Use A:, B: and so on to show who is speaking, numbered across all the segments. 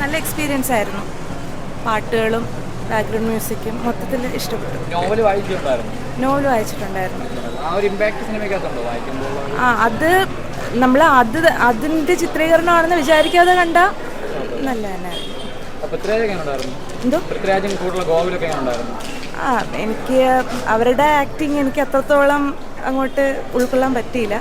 A: നല്ല എക്സ്പീരിയൻസ് ആയിരുന്നു. പാട്ടുകളും ബാക്ക്ഗ്രൗണ്ട് മ്യൂസിക്കും മൊത്തത്തിൽ ഇഷ്ടപ്പെട്ടു.
B: നോവൽ
A: വായിച്ചിട്ടുണ്ടായിരുന്നു. അത് നമ്മൾ അതിൻ്റെ ചിത്രീകരണമാണെന്ന് വിചാരിക്കാതെ കണ്ട നല്ല തന്നെയായിരുന്നു. എന്തോ എനിക്ക് അവരുടെ ആക്ടിങ് എനിക്ക് അത്രത്തോളം അങ്ങോട്ട് ഉൾക്കൊള്ളാൻ പറ്റിയില്ല.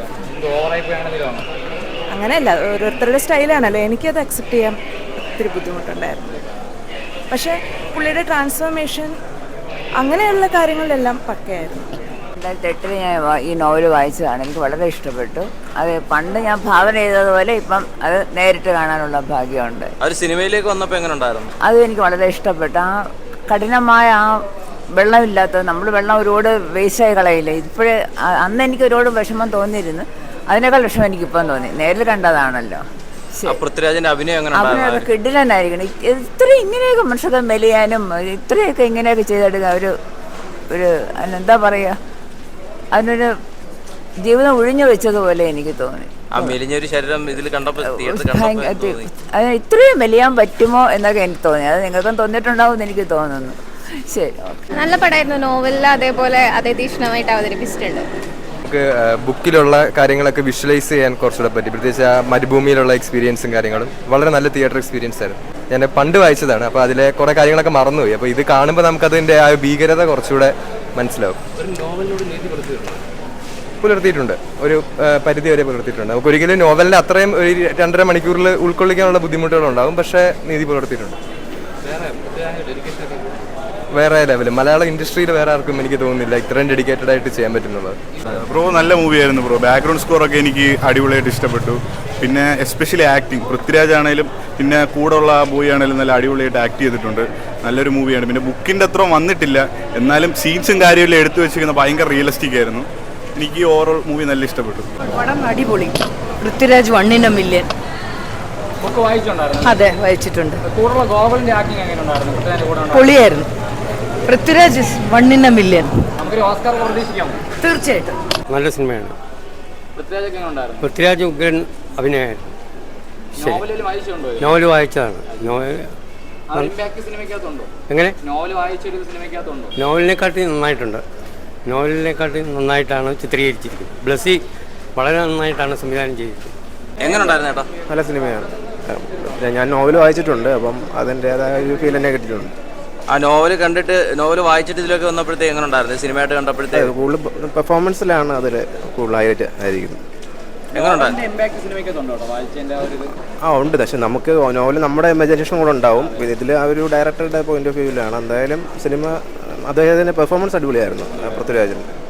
A: അങ്ങനെയല്ല, ഓരോരുത്തരുടെ സ്റ്റൈലാണല്ലോ. എനിക്കത് അക്സെപ്റ്റ് ചെയ്യാൻ ഒത്തിരി ബുദ്ധിമുട്ടുണ്ടായിരുന്നു. പക്ഷേ പുള്ളിയുടെ ട്രാൻസ്ഫോർമേഷൻ അങ്ങനെയുള്ള കാര്യങ്ങളിലെല്ലാം പക്കയായിരുന്നു.
C: 2008 ഞാൻ ഈ നോവൽ വായിച്ചതാണ്. എനിക്ക് വളരെ ഇഷ്ടപ്പെട്ടു. അത് പണ്ട് ഞാൻ ഭാവന ചെയ്തതുപോലെ ഇപ്പം അത് നേരിട്ട് കാണാനുള്ള ഭാഗ്യമുണ്ട്.
B: സിനിമയിലേക്ക് വന്നപ്പോൾ എങ്ങനെ ഉണ്ടായിരുന്നു?
C: അത് എനിക്ക് വളരെ ഇഷ്ടപ്പെട്ടു. ആ കഠിനമായ ആ വെള്ളമില്ലാത്തത്, നമ്മൾ വെള്ളം ഒരുപാട് വേസ്റ്റായി കളയില്ല. ഇപ്പോഴേ അന്ന് എനിക്ക് ഒരുപാട് വിഷമം തോന്നിയിരുന്നു. അതിനേക്കാൾ വിഷമം എനിക്കിപ്പം തോന്നി. നേരിൽ കണ്ടതാണല്ലോ.
B: അഭിനയം
C: കിടിലനായിരിക്കണം. ഇത്രയും ഇങ്ങനെയൊക്കെ മനുഷ്യർക്ക് മെലിയാനും ഇത്രയൊക്കെ ഇങ്ങനെയൊക്കെ ചെയ്തെടുക്കുക ഒരു എന്താ പറയുക, അതിനൊരു ജീവിതം ഒഴിഞ്ഞു വെച്ചതുപോലെ എനിക്ക് തോന്നി. അതിന് ഇത്രയും മെലിയാൻ പറ്റുമോ എന്നൊക്കെ എനിക്ക് തോന്നി. അത് നിങ്ങൾക്കും തോന്നിയിട്ടുണ്ടാവും എന്ന് എനിക്ക് തോന്നുന്നു. ശരി,
D: നല്ല പടമായിരുന്നു. നോവലിൽ അതേപോലെ അതേ തീക്ഷ്ണമായിട്ട് അവതരിപ്പിച്ചിട്ടുണ്ട്.
E: നമുക്ക് ബുക്കിലുള്ള കാര്യങ്ങളൊക്കെ വിഷ്വലൈസ് ചെയ്യാൻ കുറച്ചുകൂടെ പറ്റി. പ്രത്യേകിച്ച് ആ മരുഭൂമിയിലുള്ള എക്സ്പീരിയൻസും കാര്യങ്ങളും വളരെ നല്ല തിയേറ്റർ എക്സ്പീരിയൻസ് ആയിരുന്നു. ഞാൻ പണ്ട് വായിച്ചതാണ്, അപ്പോൾ അതിലെ കുറേ കാര്യങ്ങളൊക്കെ മറന്നുപോയി. അപ്പോൾ ഇത് കാണുമ്പോൾ നമുക്കതിൻ്റെ ആ ഭീകരത കുറച്ചുകൂടെ മനസ്സിലാവും. പുലർത്തിയിട്ടുണ്ട്, ഒരു പരിധി വരെ പുലർത്തിയിട്ടുണ്ട്. നമുക്ക് ഒരിക്കലും നോവലിൻ്റെ അത്രയും ഒരു 2.5 മണിക്കൂറിൽ ഉൾക്കൊള്ളിക്കാനുള്ള ബുദ്ധിമുട്ടുകളുണ്ടാകും, പക്ഷേ നീതി പുലർത്തിയിട്ടുണ്ട്. വേറെ ലെവൽ മലയാള ഇൻഡസ്ട്രിയിൽ വേറെ ആർക്കും എനിക്ക് തോന്നുന്നില്ല ഇത്രയും ഡെഡിക്കേറ്റഡ് ആയിട്ട് ചെയ്യാൻ പറ്റുന്നുള്ളത്.
F: ബ്രോ നല്ല മൂവിയായിരുന്നു ബ്രോ. ബാക്ക്ഗ്രൗണ്ട് സ്കോറൊക്കെ എനിക്ക് അടിപൊളിയായിട്ട് ഇഷ്ടപ്പെട്ടു. പിന്നെ എസ്പെഷ്യലി ആക്ടിങ്, പൃഥ്വിരാജ് ആണെങ്കിലും പിന്നെ കൂടെയുള്ള ബോയ് ആണെങ്കിലും നല്ല അടിപൊളിയായിട്ട് ആക്ട് ചെയ്തിട്ടുണ്ട്. നല്ലൊരു മൂവിയാണ്. പിന്നെ ബുക്കിൻ്റെ അത്ര വന്നിട്ടില്ല, എന്നാലും സീൻസും കാര്യമെല്ലാം എടുത്തു വെച്ചിരിക്കുന്നത് ഭയങ്കര റിയലിസ്റ്റിക് ആയിരുന്നു. എനിക്ക് ഓവറോൾ മൂവി നല്ല ഇഷ്ടപ്പെട്ടു.
G: പടം അടിപൊളി. Prithviraj 1 in a million. അതെ, വായിച്ചിട്ടുണ്ട്. പൊളിയായിരുന്നു. Prithviraj 1 in a million. തീർച്ചയായിട്ടും
H: നല്ല സിനിമയാണ്. പൃഥ്വിരാജ് ഉഗ്രൻ അഭിനയമായിരുന്നു. നോവൽ വായിച്ചതാണ്. എങ്ങനെ നോവലിനെക്കാട്ടി നന്നായിട്ടാണ് ചിത്രീകരിച്ചിരിക്കുന്നത്. ബ്ലസ്സി വളരെ നന്നായിട്ടാണ് സംവിധാനം ചെയ്തിരിക്കുന്നത്.
E: നല്ല സിനിമയാണ്. ഞാൻ നോവൽ വായിച്ചിട്ടുണ്ട്, അപ്പം അതിൻ്റെതായ ഒരു ഫീൽ തന്നെ കിട്ടിയിട്ടുണ്ട്.
B: ആ നോവൽ കണ്ടിട്ട്, നോവൽ വായിച്ചിട്ട് ഇതിലൊക്കെ വന്നപ്പോഴത്തേക്ക് എങ്ങനെ ഉണ്ടായിരുന്നു? സിനിമയായിട്ട് കണ്ടപ്പോഴത്തേക്ക്
E: കൂടുതൽ പെർഫോമൻസിലാണ് അതിൽ കൂടുതൽ ഹൈലൈറ്റ് ആയിരിക്കുന്നത്. ഉണ്ട്. പക്ഷെ നമുക്ക് നോവൽ നമ്മുടെ ഇമാജിനേഷൻ കൂടെ ഉണ്ടാവും. ഇതിൽ ആ ഒരു ഡയറക്ടറുടെ പോയിന്റ് ഓഫ് വ്യൂവിലാണ്. എന്തായാലും സിനിമ അദ്ദേഹത്തിൻ്റെ പെർഫോമൻസ് അടിപൊളിയായിരുന്നു പൃഥ്വിരാജിന്.